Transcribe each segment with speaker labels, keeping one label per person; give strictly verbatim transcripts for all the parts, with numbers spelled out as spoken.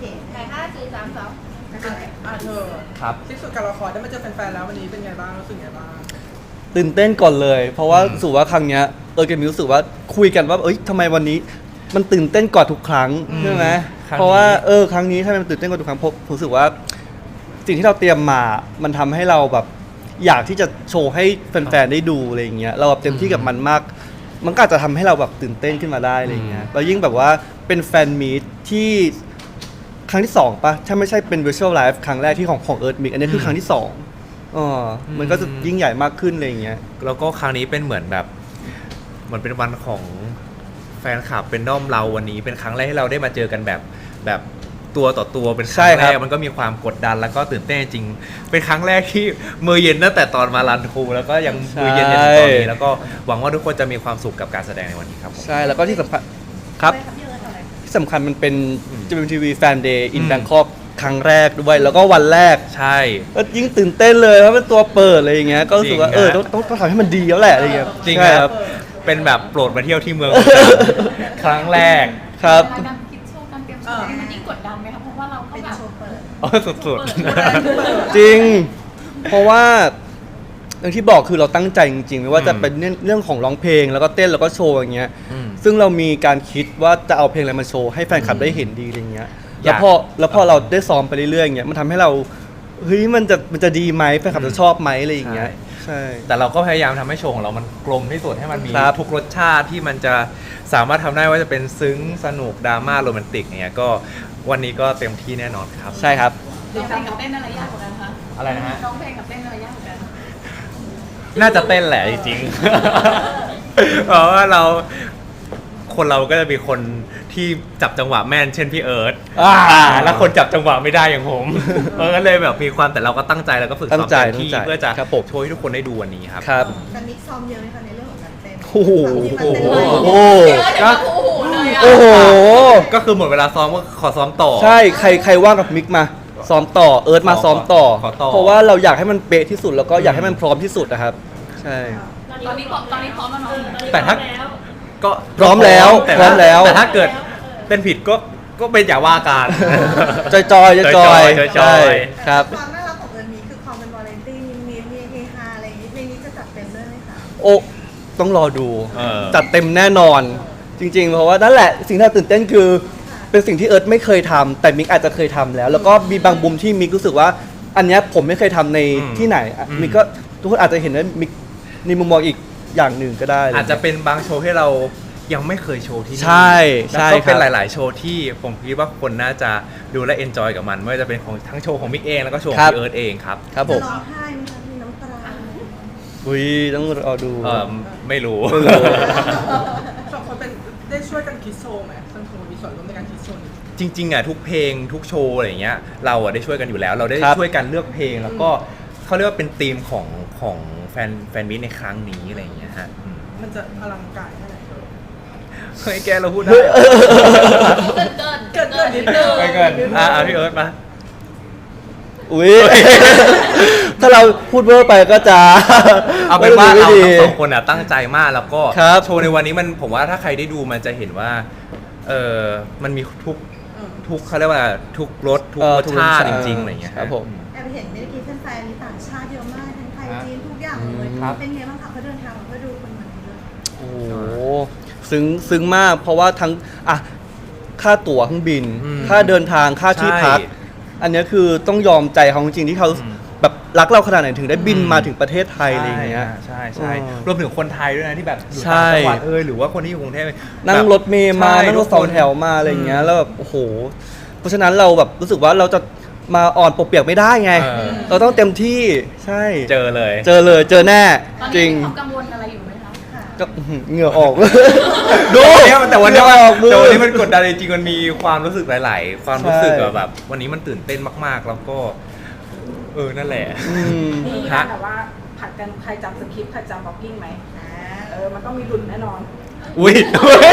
Speaker 1: ไหนห้าสี่สามสอง
Speaker 2: อ่ะเธอ
Speaker 3: ครับ
Speaker 2: ที่สุดการละครได้มาเจอแฟนๆแล้ววันนี้เป็นไงบ้างรู้สึกไงบ้าง
Speaker 4: ตื่นเต้นก่อนเลย เพราะว่ารู้สึกว่าครั้งเนี้ยเออเกมรู้สึกว่าคุยกันว่าเอ้ยทำไมวันนี้มันตื่นเต้นกว่าทุกครั้งใช่ไหมเพราะว่าเออครั้งนี้ทำไมมันตื่นเต้นกว่าทุกครั้งเพราะผมรู้สึกว่าสิ่งที่เราเตรียมมามันทำให้เราแบบอยากที่จะโชว์ให้แฟนๆได้ดูอะไรอย่างเงี้ยเราแบบเต็มที่กับมันมาก มันก็อาจจะทำให้เราแบบตื่นเต้นขึ้นมาได้อะไรอย่างเงี้ยแล้วยิ่งแบบว่าเป็นแฟนมีตที่ครั้งที่สองปะถ้าไม่ใช่เป็น virtual live ครั้งแรกที่ของของ Earth Mix อันนี้คือครั้งที่สองอ๋อมันก็จะยิ่งใหญ่มากขึ้นอะไรอย่างเงี้ย
Speaker 3: แล้วก็ครั้งนี้เป็นเหมือนแบบเหมือนเป็นวันของแฟนคลับเป็นด้อมเราวันนี้เป็นครั้งแรกที่เราได้มาเจอกันแบบแบบตัวต่อตัวเป็นครั้งแรกมันก็มีความกดดันแล้วก็ตื่นเต้นจริงเป็นครั้งแรกที่มือเย็นตั้งแต่ตอนมารันทรูแล้วก็ยังมือเย็นจนถึงตอนนี้แล้วก็หวังว่าทุกคนจะมีความสุขกับการแสดงในวันนี้ครับผม
Speaker 4: ใช่แล้วก็ที่สำคัญครับที่สำคัญมันเป็น จี เอ็ม ที วี Fan Day in
Speaker 3: อืม
Speaker 4: Bangkok ครั้งแรกด้วยแล้วก็วันแรก
Speaker 3: ใช่
Speaker 4: ก็ยิ่งตื่นเต้นเลยเพราะเป็นตัวเปิดอะไรอย่างเงี้ยก็รู้สึกว่า
Speaker 3: จริง
Speaker 4: เออ
Speaker 3: ฮะ
Speaker 4: ต้องต้องต้องทำให้มันดีแล้วแหละอะไรอย่างเงี้ย
Speaker 3: จริง
Speaker 4: ใช่
Speaker 3: ครับเป็นแบบโปรดมาเที่ยวที่เมือง ครั้งแรก
Speaker 4: ครับ
Speaker 1: การคิดโชว์การเตรียมโชว์มันยิ่งกดดันไหมคะเพราะว่าเราก็แบบ
Speaker 3: อ๋อสุด
Speaker 4: จริง เพราะว่าอย่างที่บอกคือเราตั้งใจจริงๆไม่ว่าจะเป็นเรื่องเรื่องของร้องเพลงแล้วก็เต้นแล้วก็โชว์อย่างเงี้ย
Speaker 3: ๆอืม
Speaker 4: ซึ่งเรามีการคิดว่าจะเอาเพลงอะไรมาโชว์ให้แฟนคลับได้เห็นดีอะไรเงี้ย
Speaker 3: อยาก
Speaker 4: แล้วพอแล้วพอเราได้ซ้อมไปเรื่อยๆอย่างเงี้ยมันทำให้เราเฮ้ยมันจะมันจะดีไหมแฟนคลับจะชอบไหมอะไรอย่างเงี้ยใช่
Speaker 3: แต่เราก็พยายามทำให้โชว์ของเรามันกลมที่สุดให้มันมี
Speaker 4: ครับ
Speaker 3: ทุกรสชาติที่มันจะสามารถทำได้ว่าจะเป็นซึ้งสนุกดราม่าโรแมนติกเนี่ยก็วันนี้ก็เต็มที่แน่นอนครับ
Speaker 4: ใช่ครับ
Speaker 1: ร้องเพลงกับเต้นอะไรยากกว่ากันคะ
Speaker 3: อะไรนะฮะ
Speaker 1: ร้องเพลงกับเต้นอะไรยากกว่ากัน
Speaker 3: น่าจะเต้นแหละจริงๆ เพราะว่าเราคนเราก็จะมีคนที่จับจังหวะแม่นเช่นพี่เอิร์ธ
Speaker 4: อ่า
Speaker 3: อ่าแล้วคนจับจังหวะไม่ได้อย่างผม เออก็เลยแบบมีความแต่เราก็ตั้งใจแล้วก็ฝึกซ้
Speaker 4: ตั้
Speaker 3: อม
Speaker 4: งใจ
Speaker 3: เต็มที่
Speaker 4: ตั้งใจ
Speaker 3: เพื่อจะ
Speaker 4: ครับผม
Speaker 3: โชว์ให้ทุกคนได้ดูวันนี้ครับ
Speaker 4: ครับ
Speaker 5: การมิกซ้อมเยอะไหมคะในเรื่องของการเต้น
Speaker 4: โอ้โห
Speaker 5: ที่มันเป็น
Speaker 4: โอ้
Speaker 5: ไว
Speaker 4: โห
Speaker 1: เดี๋ยวเดี๋ยวโอ้โหเลยอ่ะ
Speaker 4: โอ้โห
Speaker 3: ก็คือหมดเวลาซ้อมก็ขอซ้อมต่อ
Speaker 4: ใช่ใครใครว่างกับมิกมาซ้อมต่อเอิร์ธมาซ้อมต่อ
Speaker 3: ขอต่อ
Speaker 4: เพราะว่าเราอยากให้มันเป๊ะที่สุดแล้วก็อยากให้มันพร้อมที่สุดนะครับ ใช่
Speaker 1: ตอนนี้พร้อมตอนนี้พร้อมแล้วเนาะ
Speaker 3: แต่ถ้าก็
Speaker 4: พร้อมแล้ว
Speaker 3: ต่
Speaker 4: พร้อมแล้ว
Speaker 3: แต่ถ้าเกิดเป็นผิดก็ก็เป็นอย่าว่ากัน
Speaker 4: จอยจอยจอย
Speaker 3: จอยๆ
Speaker 4: ใช่ ครับ
Speaker 5: ความน่ารักของเอิร์นมีคือความเป็นวาไรตี้มีมีมีเฮฮาอะไรอย่างนี้ในนี้จะจัดเต็มด้วยไหมคะ
Speaker 4: โอ้ต้องรอดู
Speaker 3: เออ
Speaker 4: จัดเต็มแน่นอน จริง ๆ เพราะว่านั่นแหละสิ่งที่เราตื่นเต้นคือเป็นสิ่งที่เอิร์ธไม่เคยทำแต่มิกอาจจะเคยทำแล้ว แล้วก็มีบางมุมที่มิกรู้สึกว่า อันเนี้ยผมไม่เคยทำใน
Speaker 3: อืม
Speaker 4: ที่ไหนอ่ะ
Speaker 3: อืม
Speaker 4: มิกก็ทุกคนอาจจะเห็นว่ามิกในมุมมองอีกอย่างหนึ่งก็ได้
Speaker 3: อาจจะเป็นบางโชว์ที่เรายังไม่เคยโชว์ที่นี่
Speaker 4: ใช่ใช่
Speaker 3: แล้วก็เป็น
Speaker 4: ครับ
Speaker 3: หลาย ๆ โชว์ที่ผมคิดว่าคนน่าจะดูและเอนจอยกับมันไม่ว่าจะเป็นของทั้งโชว์ของมิกเองแล้วก็โชว์ขอ
Speaker 4: ครั
Speaker 3: ง
Speaker 4: บ
Speaker 3: พี่เอิร์ธเองครับ
Speaker 4: ครับผ
Speaker 5: จะ
Speaker 4: ม
Speaker 5: ร้องไห้ไหมคะมีน้ำตา
Speaker 4: อุ้ยต้องรอดู
Speaker 3: เออไม่รู้
Speaker 4: ไม่รู้
Speaker 2: สองคนเป็นได้ช่วยกันคิดโชว์ไหมทั้งสองคนมีส่วนร่วมในการคิดโชว์นี้
Speaker 3: จริง ๆอ่ะทุกเพลงทุกโชว์อะไรอย่างเงี้ยเราอ่ะได้ช่วยกันอยู่แล้ว เราได้
Speaker 4: ครับ
Speaker 3: ช่วยกันเลือกเพลงแล้วก็เขาเรียกว่าเป็นธีมของของแฟนแฟนมิตในครั้งนี้อะไรอย่างเงี้ยฮะอืม
Speaker 2: มันจะอลังการแค่ไหน
Speaker 3: เฮ้ยแกเราพูดได้เหรอ
Speaker 1: เกินเกินเกินเกินนิดนึง
Speaker 3: ไปเกินอ่ะอ่ะพี่เอิร์ธมา
Speaker 4: อุ้ย ถ้าเราพูดเวอร์ไปก็จะ
Speaker 3: เอาเป็นว่าเรา
Speaker 4: ไม่ดี
Speaker 3: ทั้งสองคนอ่ะตั้งใจมากแล้วก็
Speaker 4: ครับ
Speaker 3: โชว์ในวันนี้มันผมว่าถ้าใครได้ดูมันจะเห็นว่าเออมันมีทุกทุกเขาเรียกว่าทุกรสทุก
Speaker 4: เออ
Speaker 3: รส
Speaker 4: ทุก
Speaker 3: ชาติ
Speaker 4: ร
Speaker 3: จ
Speaker 4: สชาติ
Speaker 3: ริงๆอะไรอย่างเงี้ย
Speaker 4: ครับผม
Speaker 5: แอบเห็นเมื่อกี้แฟนๆมีต่างชาติเยอะมากทั้งไทยจีนทุกอย่างเลย
Speaker 3: ครับ
Speaker 5: เป็นไงบ้างคะเขาเดินทางมาเพื่อดูคนเหมือนกันเลย
Speaker 4: โอ้โหซึ้งซึ้งมาก เพราะว่าทั้งอ่ะค่าตั๋วเครื่องบิน
Speaker 3: อืม
Speaker 4: ค่าเดินทางค่าที่พัก
Speaker 3: ใช่
Speaker 4: อันเนี้ยคือต้องยอมใจเขาจริงๆที่เขา
Speaker 3: อืม
Speaker 4: แบบรักเราขนาดไหนถึงได้บิน
Speaker 3: อืม
Speaker 4: มาถึงประเทศไทยอะไรอย่างเงี้ย
Speaker 3: ใช่ใช่
Speaker 4: อ๋อ
Speaker 3: รวมถึงคนไทยด้วยนะที่แบบอยู่
Speaker 4: ใช่
Speaker 3: ต่างจังหวัดเอยหรือว่าคนที่อยู่กรุงเทพ
Speaker 4: นั่ง
Speaker 3: แบบ
Speaker 4: รถเมล์มา
Speaker 3: ใช่
Speaker 4: นั่งรถสองแถวมาอะไรอย่างเงี้ยแล้วแบบโอ้โห เพราะฉะนั้นเราแบบรู้สึกว่าเราจะมาอ่อนปกเปียกไม่ได้ไง
Speaker 3: เออ
Speaker 4: เราต้องเต็มที่ใช่
Speaker 3: เจอเลย
Speaker 4: เจอเลยเจอแน่
Speaker 1: ตอน
Speaker 4: จ
Speaker 1: นี้
Speaker 4: ริง
Speaker 1: มีความกังวลอะไรอยู่ไหมคะ
Speaker 4: ก็อื้อหือเหงื่อออก
Speaker 3: ดูแต่วันนี้
Speaker 4: เหงื่อออกมือ
Speaker 3: แต่วันนี้มันกดดันจริงๆมันมีความรู้สึกหลาย ๆ ความรู้สึก
Speaker 4: ใช่
Speaker 3: แบบ วันนี้มันตื่นเต้นมากๆ แล้วก็ เออนั่นแหละ
Speaker 4: อืม
Speaker 6: มีการแบบว่าผัดกันใครจำสคริปต์ใครจำบ็อกกิ้งไหมอ่าเออ มันต้องมีดุลแน่นอน
Speaker 3: อุ้ย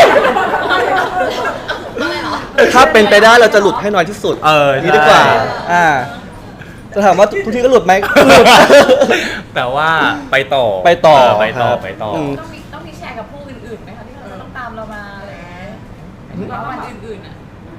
Speaker 4: ถ้าเป็นไปได้เราจะหลุดให้น้อยที่สุด
Speaker 3: เออ
Speaker 4: นี่ดีกว่า
Speaker 3: ใช่
Speaker 4: อ่า จะถามว่าทุกที่ก็หลุดไหมหลุด
Speaker 3: แต่ว่าไปต่อ
Speaker 4: ไปต่อ
Speaker 3: เไปต่อ
Speaker 4: ครับ
Speaker 3: ไปต่ออ
Speaker 4: ม
Speaker 1: ต้องมีต้องมีแชร์กับผู้อื่นๆไหมคะที่เขาจะต้องตามเรามาอะไรอย่างเงี้ยหมายถึงว่าวันอื่นๆอ่ะ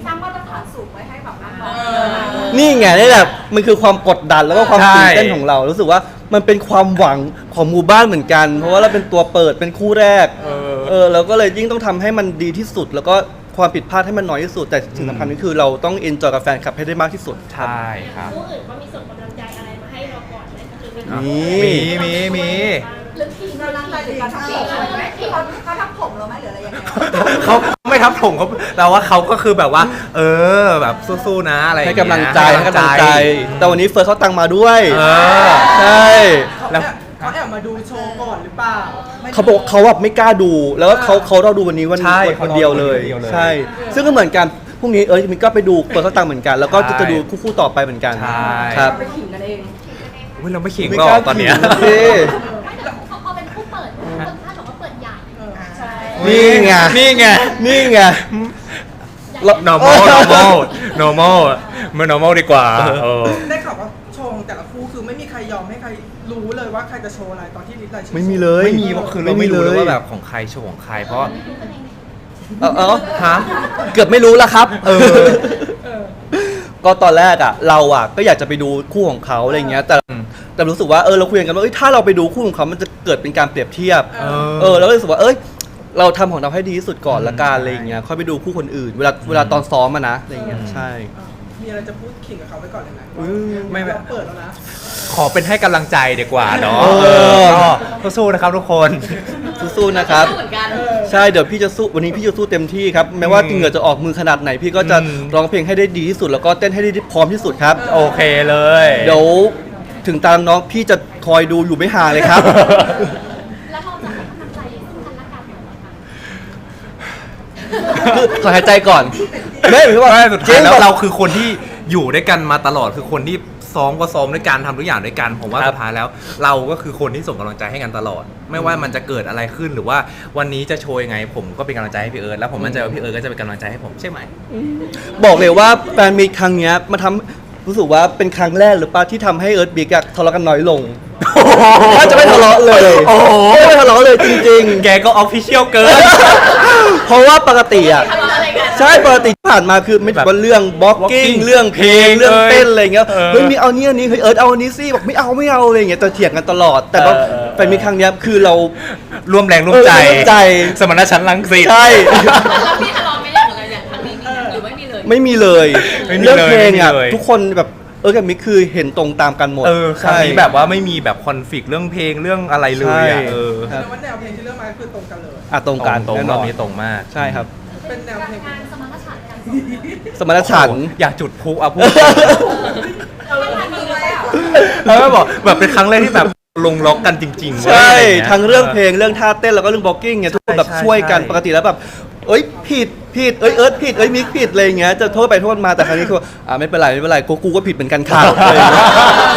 Speaker 6: สร้างมาตรฐานสูงไว้ให้แบบน้อง
Speaker 4: นี่ไงนี่แหละมันคือความกดดันแล้วก็ความ
Speaker 3: ใช่
Speaker 4: ตื่นเต้นของเรา รู้สึกว่ามันเป็นความหวังของหมู่บ้านเหมือนกัน เพราะว่าเราเป็นตัวเปิดเป็นคู่แรก
Speaker 3: เออ
Speaker 4: เออเราก็เลยยิ่งต้องทำให้มันดีที่สุด แล้วก็ความผิดพลาดให้มันน้อยที่สุด แต่สิ่งสำคัญก็คือเราต้องเอนจอยกับแฟนคลับให้ได้มากที่สุด
Speaker 3: ใช่ครับ
Speaker 7: ผู้อื่นก็มีส่งกำลังใจอะไรมาให้เราก่อนไหมหรือเป็น
Speaker 4: มี
Speaker 3: มีมีมี
Speaker 7: หรือทีม
Speaker 6: กำลังใจหรือการทำผมไหมที่เขาเขาทำผมเราไหมหรืออะไรยังไง
Speaker 3: เขาไม่ทับถมเขาแต่ว่าเขาก็คือแบบว่า เออแบบสู้ๆนะอะไรอย่า
Speaker 4: ให้
Speaker 3: เงี้ย
Speaker 4: กำลังใจให้กำลังใจ แต่วันนี้เฟิร์สเขาตังมาด้วย
Speaker 3: เออ
Speaker 4: ใช่
Speaker 2: เขา
Speaker 3: แล้
Speaker 2: แอ
Speaker 3: ว
Speaker 2: บเขาแอบมาดูโชว์ก่อนหรือเปล่า
Speaker 4: เขาบอกเขาแบบไม่กล้าดู แล้วก็เขาเขาเราดูวันนี้วัน
Speaker 3: ใช่
Speaker 4: วันคนเดียวเลย
Speaker 3: เขารอดูวันเดียวเลย
Speaker 4: ใช่ ซึ่งก็เหมือนกันพรุ่งนี้เอ้ยมินก็ไปดูเฟิร์สเขาตังเหมือนกัน แล้วก็จะจะดูคู่ๆต่อไปเหมือนกัน
Speaker 3: ใช่
Speaker 4: ครับ
Speaker 6: ไปขิงกันเอง
Speaker 3: อุ๊ยเราไม่ขิง
Speaker 4: ไม่
Speaker 3: หรอก
Speaker 4: ล้า
Speaker 3: ตอนเนี้ย
Speaker 4: ขิงสิ
Speaker 7: ไม่แต่พอพอเป็นผู้เปิดคนคาดบอกว่าเปิดใหญ่
Speaker 6: ใช่
Speaker 4: นี่ไง
Speaker 3: นี่ไง
Speaker 4: นี่ไง
Speaker 3: normal normal normal ไม่ normal ดีกว่าเออ
Speaker 2: ได้ข่าวว่าโชว์ของแต่ละคู่คือไม่มีใครยอมให้ใครรู้เลยว่าใครจะโชว์อะไรตอนที่ลิสต์รายชื่อ
Speaker 4: ไม่มีเลย
Speaker 3: ไม่มีเพราะคือเราไม่รู้เลยว่าแบบของใครโชว์ของใครเพราะ
Speaker 4: เออเออ
Speaker 3: ฮะ
Speaker 4: เกือบไม่รู้แล้วครับ
Speaker 3: เออ
Speaker 4: ก็ตอนแรกอ่ะ เราอ่ะก็อยากจะไปดูคู่ของเขาอะไรเงี้ย แต่
Speaker 3: อืม
Speaker 4: แต่รู้สึกว่าเออเราคุยกันว่าเอ้ยถ้าเราไปดูคู่ของเขามันจะเกิดเป็นการเปรียบเทียบ
Speaker 3: เออ
Speaker 4: เออแล้วก็รู้สึกว่าเอ้ยเราทำของเราให้ดีที่สุดก่อนละกันอะไรอย่างเงี้ยค่อยไปดูคู่คนอื่น เวลาเวลาตอนซ้อมอะนะอะไรอย่างเงี้ยใช่
Speaker 2: อ่ะมีอะไรจะพูดขิงกับเขาไว้ก่อนเลยไหม
Speaker 4: อืม
Speaker 3: ไม่แบบ
Speaker 2: เราเปิดแล้วนะ
Speaker 3: ขอเป็นให้กำลังใจดีกว่าเนาะ
Speaker 4: เออ
Speaker 3: เออก็สู้ๆนะครับทุกคน
Speaker 4: สู้ๆนะครับ
Speaker 1: เหมือนกัน
Speaker 4: ใช่เดี๋ยวพี่จะสู้วันนี้พี่จะสู้เต็มที่ครับแม้ว่า
Speaker 3: อืม
Speaker 4: เหงื่อจะออกมือขนาดไหน พี่ก็จะ
Speaker 3: อืม
Speaker 4: ร้องเพลงให้ได้ดีที่สุด แล้วก็เต้นให้ได้พร้อมที่สุดครับ
Speaker 3: โอเคเลย
Speaker 4: เดี๋ยวถึงตามน้องพี่จะคอยดูอยู่ไม่ห่างเลยครับ
Speaker 7: แล้วเราจะให้กำลังใจซึ่งกันและกันเหรอคะ
Speaker 4: ขอหายใจก่อนไม่หรือว่า
Speaker 3: ไม่สุดท้ายแล้ว
Speaker 4: จง
Speaker 3: เราคือคนที่อยู่ด้วยกันมาตลอดคือคนที่ซ้อมก็ซ้อมด้วยกันทำทุกอย่างด้วยกันผมว่าสุดท้ายแล้ว เราก็คือคนที่ส่งกำลังใจให้กันตลอด ไม่ว่ามันจะเกิดอะไรขึ้นหรือว่าวันนี้จะโชว์ยังไง ผมก็เป็นกำลังใจให้พี่เอิร์ธแล้วผมมั่นใจว่าพี่เอิร์ธก็จะเป็นกำลังใจให้ผมใช่ไหม
Speaker 4: บอกเลยว่าแฟนมีตครั้งเนี้ยมาทำรู้สึกว่าเป็นครั้งแรกหรือเปล่าที่ทำให้เอิร์ธบิ๊กอะทะเลาะกันน้อยลงถ้าจะไม่ทะเลาะเลย
Speaker 3: โอ้โห
Speaker 4: ไม่ทะเลาะเลยจริง
Speaker 3: แกก็ออฟฟิเชียลเกิน
Speaker 4: ๆ เพราะว่าปกติอะ
Speaker 1: ทะเลาะอะไรกัน
Speaker 4: ใช่ปกติที่ผ่านมาคือไม่ถือว่าเรื่องบล็อกกิ้ง
Speaker 3: walking
Speaker 4: เรื่องเพลง
Speaker 3: เพลง
Speaker 4: เรื่องเต้นอะไรเงี้ย
Speaker 3: เออ
Speaker 4: เฮ้ยมีเอานี้อันนี้เฮ้ยเอิร์ธเอาอันนี้สิบอกไม่เอาไม่เอาอะไรเงี้ยแต่เถียงกันตลอด แต่ว่า
Speaker 3: เออเออ
Speaker 4: แฟนมีตครั้งเนี้ยคือเรา
Speaker 3: ร่วมแรงร่วมใจ
Speaker 4: เออร่วมใจ
Speaker 3: สมรรถฉันท์รังสิต
Speaker 4: ใช่
Speaker 1: แล้วพี่ทะเลาะไม่ได้เหมือนกันอย่างครั้งนี้มีหรือไม่มีเลย
Speaker 4: ไม่มีเลย
Speaker 3: ไม่มีเลย
Speaker 4: เรื่องเพลงอ่ะ
Speaker 3: ไม่มีเลย
Speaker 4: ทุกคนแบบเออกับมิกคือเห็นตรงตามกันหมด
Speaker 3: เออครั้ง
Speaker 4: ใช่
Speaker 3: นี้แบบว่าไม่มีแบบคอนฟ lict เรื่องเพลงเรื่องอะไรเลยอ่ะ
Speaker 4: ใช่
Speaker 3: เออ
Speaker 4: ครับ
Speaker 2: แต่ว่าแนวเพลงที่เลือกมาคือตรงกันเลย
Speaker 4: อ่ะตรงกัน
Speaker 3: ตรง
Speaker 4: แน่
Speaker 3: ร
Speaker 4: น
Speaker 3: อ
Speaker 4: อบ น
Speaker 3: นี้ตรงมาก
Speaker 4: ใช่ครับ
Speaker 2: เป็นแนวเพลง
Speaker 7: การสมรรถฉันท์กัน
Speaker 4: สมรรถฉันท์
Speaker 3: โอ้โหอยากจุดพลุอ่ะพูด
Speaker 6: เราเริ่มมีเลยอ่ะ
Speaker 3: แล้วก็บอกแบบเป็นครั้งแรกที่แบบลงล็อกกันจริงๆเว้ย
Speaker 4: ใช่
Speaker 3: ะไย่า
Speaker 4: ทั้งเรื่องเพลงเรื่องท่าเต้นแล้วก็เรื่องบล็อกกิ้งเนี่ยทุกคนแบบ
Speaker 3: ใช่
Speaker 4: ช่วยกัน
Speaker 3: ใช่
Speaker 4: ปกติแล้วแบบเอ้ยผิดผิดเอ้ยเอิร์ธผิดเอ้ยมิกผิดอะไรอย่างเงี้ยจะโทษไปโทษมาแต่ครั้งนี้คืออ่าไม่เป็นไรไม่เป็นไรกูกูก็ผิดเหมือนกันค่ะอะไรอย่างเงี้ย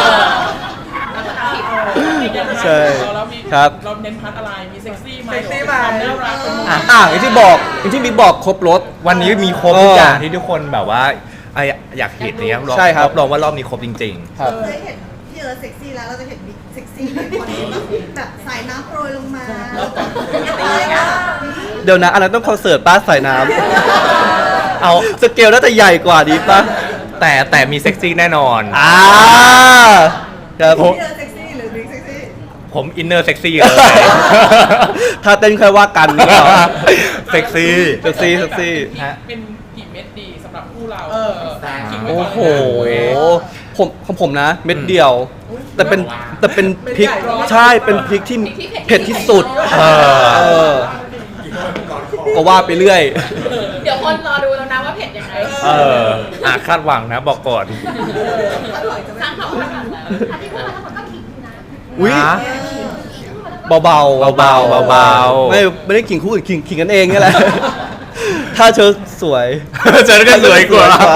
Speaker 4: ใช่ครับ
Speaker 8: เราเน้นพาร์ทอะไร มีเซ็กซี่ไหม
Speaker 2: เซ็กซี่ไหม
Speaker 8: ความน่ารักเป็น
Speaker 3: อ่ะ
Speaker 4: อ่ะอย่างที่บอกอย่างที่มิกบอกครบรถ
Speaker 3: วันนี้มีครบ
Speaker 4: เออ
Speaker 3: ทุกอย่างที่ทุกคนแบบว่าไออยากเห็นเนี่ยรอบ
Speaker 4: ใช่ครับ
Speaker 3: รองว่ารอบนี้ครบจริง
Speaker 4: ครับ
Speaker 5: เคยเห็นพี่เอิร์ธเซ็กซี่แล้วเราจะเห็นบิ๊กเซ็กซี่ในคอนเทนต์แบบสายน้ำโปรยลงมาอะไรอ่ะ
Speaker 4: เดี๋ยวนะอันนั้นต้องคอนเสิร์ตป้าใส่น้ำเอาสเกลน่าจะใหญ่กว่าดีป่ะ
Speaker 3: ๆ แต่แต่มีเซ็กซี่แน่นอน
Speaker 4: อ่าครับ
Speaker 5: พี่เอิร์ธเซ็กซี่หรือบิ๊กเซ็กซี่
Speaker 3: ผมอินเนอร์เซ็กซี่เลย
Speaker 4: ถ้าเต้นค่อยว่ากันดีกว่า
Speaker 3: เซ็กซี่
Speaker 4: เซ็กซี่เซ็กซี่
Speaker 3: ฮะ
Speaker 8: เป็นกี่เม็ดดีสำหรับคู่เรา
Speaker 2: เออ
Speaker 8: ขิงไว้
Speaker 4: โอ้
Speaker 8: ก่อน
Speaker 4: โห
Speaker 8: เลย
Speaker 4: ผมของผมนะ เม็ดเดียว แต่เป็นแต่เป็นพริกใช่เป็นพริกที่เผ็ดที่สุด
Speaker 3: เออ
Speaker 4: เออก็ว่าไปเรื่อย
Speaker 1: เดี๋ยวคนรอดูแล้วนะว่าเผ็ดยังไง
Speaker 3: เอออ่ะคาดหวังนะบอกก่อน
Speaker 1: สร้างความคาดหวังแล้ว
Speaker 7: อันที่พูดมาทั้งหมดก็ขิงอยู่นะ
Speaker 4: อุ้ย
Speaker 3: นะ
Speaker 4: เบาๆเบาๆ
Speaker 3: เบาๆเบาๆ
Speaker 4: ไม่ไม่ได้ขิงคู่อื่นขิงขิงกันเองนี่แหละ ถ้าเธอสวย
Speaker 3: เจอกันสวยกว่า
Speaker 5: ถ้า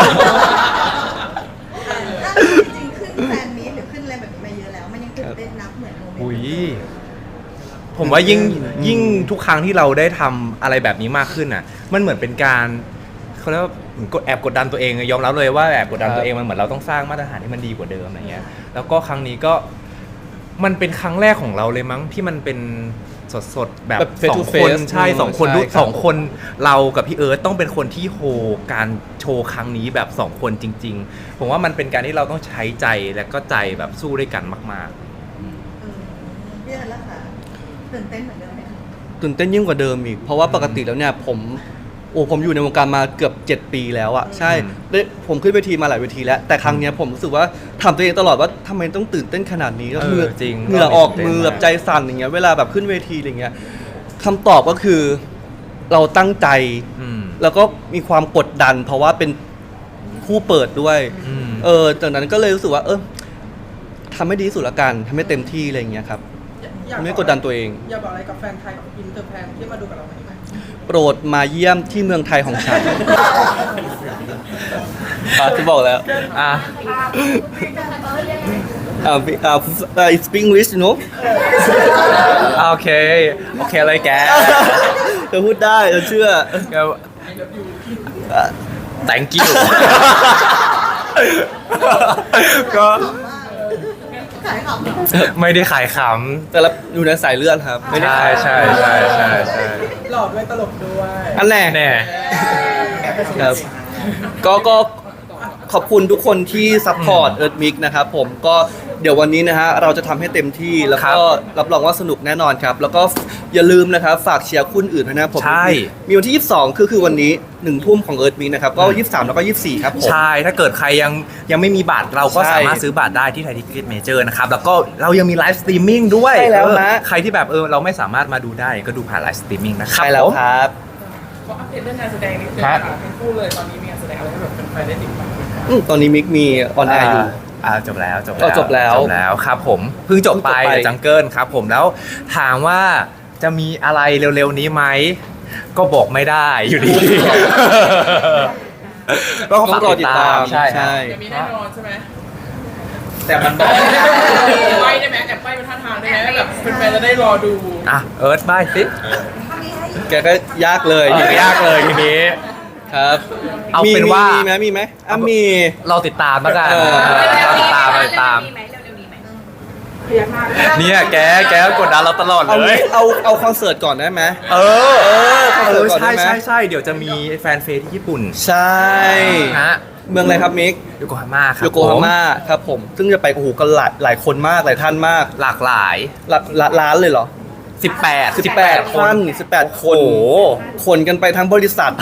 Speaker 5: จริงๆขึ้นแฟนมีตหรือขึ้นอะไรแบบนี้มาเยอะแล้ว มันยังตื่นเต้นนับเหมือนโมเมนต์
Speaker 3: อุ้ยผมว่ายิ่งยิ่งทุกครั้งที่เราได้ทำอะไรแบบนี้มากขึ้นอ่ะ มันเหมือนเป็นการเขาเรียกว่าเหมือนกดแอบกดดันตัวเองยอมรับเลยว่าแอบกดดันตัวเองมันเหมือนเราต้องสร้างมาตรฐานที่มันดีกว่าเดิมอะไรเงี้ยแล้วก็ครั้งนี้ก็มันเป็นครั้งแรกของเราเลยมั้งที่มันเป็นสดๆแบบ
Speaker 4: แบบ face
Speaker 3: สอ
Speaker 4: to
Speaker 3: งคน
Speaker 4: face
Speaker 3: ใช่
Speaker 4: อืม
Speaker 3: สองคน
Speaker 4: ใช่
Speaker 3: ด้วย
Speaker 4: ครับ
Speaker 3: สองคนเรากับพี่เอิร์ธต้องเป็นคนที่โฮการโชว์ครั้งนี้แบบสองคนจริง ๆ ผมว่ามันเป็นการที่เราต้องใช้ใจและก็ใจแบบสู้ด้วยกันมาก
Speaker 5: เออพี่เอิร์ธล่ะคะตื่นเต้นเหมือนเดิมไหมคะ
Speaker 4: ตื่นเต้นยิ่งกว่าเดิมอีก เพราะว่าปกติแล้วเนี่ยผมโอ้ผมอยู่ในวงการมาเกือบเจ็ดปีแล้วอะใช่ได้ผมขึ้นเวทีมาหลายเวทีแล้ว แต่ครั้งเนี้ยผมรู้สึกว่าถามตัวเองตลอดว่าทำไมต้องตื่นเต้นขนาดนี้
Speaker 3: เออ
Speaker 4: เหงื่อ
Speaker 3: จริง
Speaker 4: เหงื่อออก
Speaker 3: ตื่นเต้น
Speaker 4: มือแบบ
Speaker 3: มาก
Speaker 4: ใจสั่นอย่างเงี้ยเวลาแบบขึ้นเวทีอะไรเงี้ยคำตอบก็คือเราตั้งใจ
Speaker 3: ๆอืม
Speaker 4: แล้วก็มีความกดดัน เพราะว่าเป็นคู่เปิดด้วย
Speaker 3: อืม
Speaker 4: เออจากนั้นก็เลยรู้สึกว่า เออทำให้ดีที่สุดละกันทำให้เต็มที่อะไรอย่างเงี้ยครับ
Speaker 2: อยาก
Speaker 4: ไม่กดดันตัวเอง
Speaker 2: อยากบอกอะไรกับแฟนไทยกับอินเตอร์แฟนที่มาดูกับเราวันนี้ไหม
Speaker 4: โปรดมาเยี่ยมที่เมืองไทยของฉัน อ่ะที่บอกแล้ว
Speaker 3: อ่ะ
Speaker 4: อ่าอ่า I speak English you know
Speaker 3: โอเค โอเคเลยแก
Speaker 4: เธอพูดได้เธอเชื่อ
Speaker 3: ก็ thank you ก็
Speaker 5: ขายของ
Speaker 3: ไม่ได้ขายข
Speaker 4: แต่ละอยู่ในสายเลือดครับ
Speaker 3: ำ
Speaker 4: ไม่ได้
Speaker 3: ใช่ใช่ใช่ใช่ใช่
Speaker 2: หล่อด้วยตลกด้วย
Speaker 4: อันแน่
Speaker 3: แน่
Speaker 4: ครับก็ก็ขอบคุณทุกคนที่ซัพพอร์ตเอิร์ธมิกนะครับผมก็เดี๋ยววันนี้นะฮะเราจะทำให้เต็มที่แล้วก็รับรองว่าสนุกแน่นอนครับ แล้วก็อย่าลืมนะครับฝากเชียร์คู่อื่นด้วยนะผม
Speaker 3: ใช่
Speaker 4: มีวันที่ยี่สิบสองคือคือวันนี้หนึ่งทุ่มของเอิร์ธมิกนะครับก็ยี่สิบสามแล้วก็ยี่สิบสี่ครับผม
Speaker 3: ใช่ ถ้าเกิดใครยังยังไม่มีบัตรเราก็
Speaker 4: ใช่
Speaker 3: สามารถซื้อบัตรได้ที่ไทยทิเก็ตเมเจอร์นะครับ แล้วก็เรายังมีไลฟ์สตรีมมิ่งด้วย
Speaker 4: ใช่แล้ว
Speaker 3: เออ
Speaker 4: นะ
Speaker 3: ใครที่แบบเออเราไม่สามารถมาดูได้ก็ดูผ่านไลฟ์สตรีมมิ่งนะครับ
Speaker 4: ใช่แล้ว
Speaker 3: ผม
Speaker 4: ครับ
Speaker 8: ขออัปเดตเรื่องงานแสดงนิดนึง
Speaker 3: ครั
Speaker 8: ค่ะ
Speaker 3: บ
Speaker 8: ทั้งคู่เลยตอนนี้มีงานแสดงอะไรให้แบบแฟนๆได้ติดตามไหมคะ
Speaker 4: อืมตอนนี้มิกมีออนแอร์อยู่
Speaker 3: อ่าจบแล้วจบ
Speaker 4: อ๋อจบแล้ว
Speaker 3: จบแล้วครับผมเพิ่งจบไป
Speaker 4: เพิ่งจบไป
Speaker 3: จังเกิลครับผมแล้วถามว่าจะมีอะไรเร็วๆนี้ไหมก็บอกไม่ได้อยู่ดีก็
Speaker 4: ต้
Speaker 3: ฝา
Speaker 4: อก งรอติดตาม
Speaker 3: ใช่ครับ
Speaker 8: จะมีแน่นอนใช่ไหม
Speaker 3: แต่มันบอก
Speaker 8: ใบได้ไหมแอบใบเป็นท่าทางได้ไหมแบบแฟนๆจะได้รอดู
Speaker 3: อ่ะเอิร์ธบายสิ
Speaker 4: แกก็ยากเลย
Speaker 3: ยากเลยทีนี้
Speaker 4: ครับ
Speaker 3: เอาเป็นว่ามี
Speaker 4: มีไหมมีไหมอ่ะมี
Speaker 3: เราติดตามแล้วกัน
Speaker 4: เออ
Speaker 3: เราติดตามเราติดตาม
Speaker 6: พยักหน้า
Speaker 3: เนี่ยแกแกกดดันเราตลอด
Speaker 4: เอา
Speaker 3: เลย
Speaker 4: เอาเอาคอนเสิร์ตก่อนได้ไหม
Speaker 3: เออ
Speaker 4: เออคอน
Speaker 3: เอ
Speaker 4: เสิร์
Speaker 3: อ
Speaker 4: ตก่อน
Speaker 3: ใช่
Speaker 4: ได้ไหม
Speaker 3: ใช่ใช่เดี๋ยวจะมีแฟนเฟสที่ญี่ปุ่น
Speaker 4: ใช่
Speaker 3: ฮะ
Speaker 4: เมืองอะไรครับมิก
Speaker 3: โยโกฮาม่าครับ
Speaker 4: โยโกฮาม่าครับผม ซึ่งจะไปโอ้โหกันหลายหลายคนมากหลายท่านมาก
Speaker 3: หลากหลาย
Speaker 4: หลักละล้านเลยเหรอ
Speaker 3: สิบแปด
Speaker 4: สิบแปดท่านสิบแปดคน
Speaker 3: โอ้โห
Speaker 4: คนกันไปทั้งบริษัท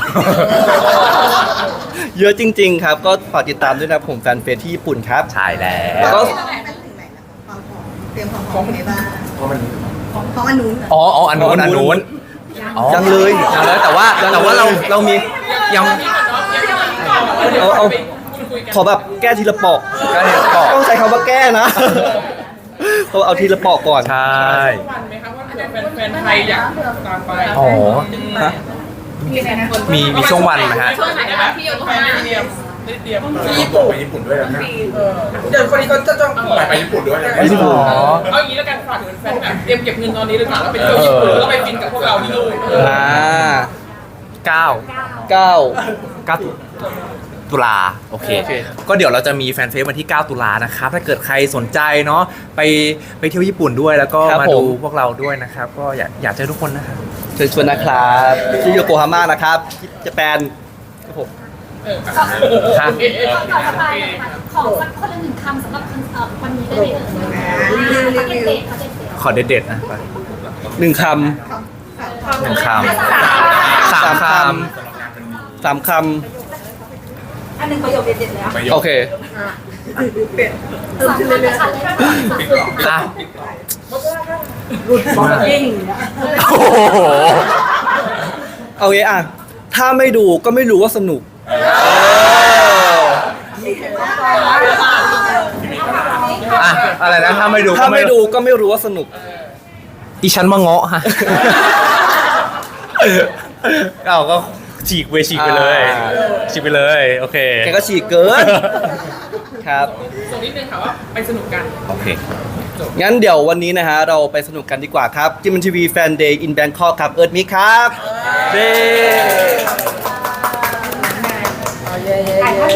Speaker 4: เยอะจริง ๆ ครับ ก็ฝากติดตามด้วยนะผมแฟนเฟสที่ญี่ปุ่นครับ
Speaker 3: ใช่แล้
Speaker 4: แล้ว
Speaker 3: ว
Speaker 4: ก็
Speaker 5: เราไปถึงไหนแล้วความพร้อมเตรียมความพร้อมยังไงบ้างของของอันนู้น
Speaker 3: อ๋ออ๋ออันนู้นอันนู้นอ๋อ
Speaker 4: ยังเลย
Speaker 3: ยังเลยแต่ว่าแต่ว่าเราเรามียัง
Speaker 4: เอาเอาขอแบบแก้ทีละปอก
Speaker 3: ก็เห็นบอก
Speaker 4: ต้องใช้คำว่าแก้นะ เขาเอาทีละปอกก่อน
Speaker 3: ใช่
Speaker 8: วันไหมครับว่าเผื่อแฟนๆไทยอยากตามไป
Speaker 3: อ๋อ
Speaker 4: ฮะ
Speaker 3: มีมีช่วงวันไหมฮะ
Speaker 8: ช่วงไหนนะพี่โยโกฮาม่าได้เตรียมได้เตรียม
Speaker 2: ที่ญี่ปุ่น
Speaker 9: ไปญี่ปุ่นด้วยนะ
Speaker 2: เออเดี๋ยวคนนี้เขาจะจอง
Speaker 9: ไปไปญี่ปุ่นด้วยนะ
Speaker 3: ไปญี่ปุ่น
Speaker 8: เอาอย่างนี้แล้วกันฝากถึงแฟนๆแบบเตรียมเก็บเงินตอนนี้เลยค่ะแล้วไปเที่ยวญี่ปุ่นแล้วก็ไปฟินกับพวกเราที่นู่น
Speaker 4: อ่า
Speaker 3: เก้า
Speaker 4: เก้า
Speaker 3: เก้าตุตุลาโอเค
Speaker 4: โอเค
Speaker 3: ก็เดี๋ยวเราจะมีแฟนเฟซวันที่ เก้า ตุลานะครับ ถ้าเกิดใครสนใจเนาะไปไปเที่ยวญี่ปุ่นด้วยแล้วก็มาดูพวกเราด้วยนะครับ ก็อยากอยากเจอทุกคนนะครับ
Speaker 4: เชิญชวนนะครับที่โยโกฮาม่านะครับที่ญี่ปุ่นครับผม
Speaker 3: ครับ
Speaker 7: ก่อนจะไปขอสักคนละหนึ่งคำสำหรับคอนเสิร์ตวันนี้ได้ไหมเอ่ยพักเด็ดๆพักเด็ด
Speaker 3: ขอเด็ดๆนะ
Speaker 4: หนึ่งค
Speaker 3: หนึ่งคำ
Speaker 4: ำ
Speaker 3: สามค
Speaker 4: สามค
Speaker 6: อันหนึ่งประโยคเด็ดๆเลยอ่ะ
Speaker 4: ำโอเค
Speaker 7: ๆสามคำเลยค่ะเลย
Speaker 3: ำอ่ะ
Speaker 6: บอกยิ่ง
Speaker 3: โอ้โห
Speaker 4: เอางี้อ่ะ ถ้าไม่ดูก็ไม่รู้ว่าสนุก
Speaker 3: อ่ะอะไรนะถ้าไม่ดู
Speaker 4: ถ้า
Speaker 3: ก็
Speaker 4: ไม่ดูก็ไม่รู้ว่าสนุก
Speaker 3: อีฉันมาเงาะฮะเอาก็ฉีกไปฉีกไปเลย
Speaker 4: อ่า
Speaker 3: ฉีกไปเลยโอเค
Speaker 4: แกก็ฉีกเกิน ครับ
Speaker 8: ส่งนิดนึงค่ะว่าไปสนุกกัน
Speaker 3: โอเค
Speaker 4: งั้นเดี๋ยววันนี้นะฮะ เราไปสนุกกันดีกว่าครับจิมมันทีวีแฟนเดย์อินแบงคอกครับ เอิร์ธมิกครับเด้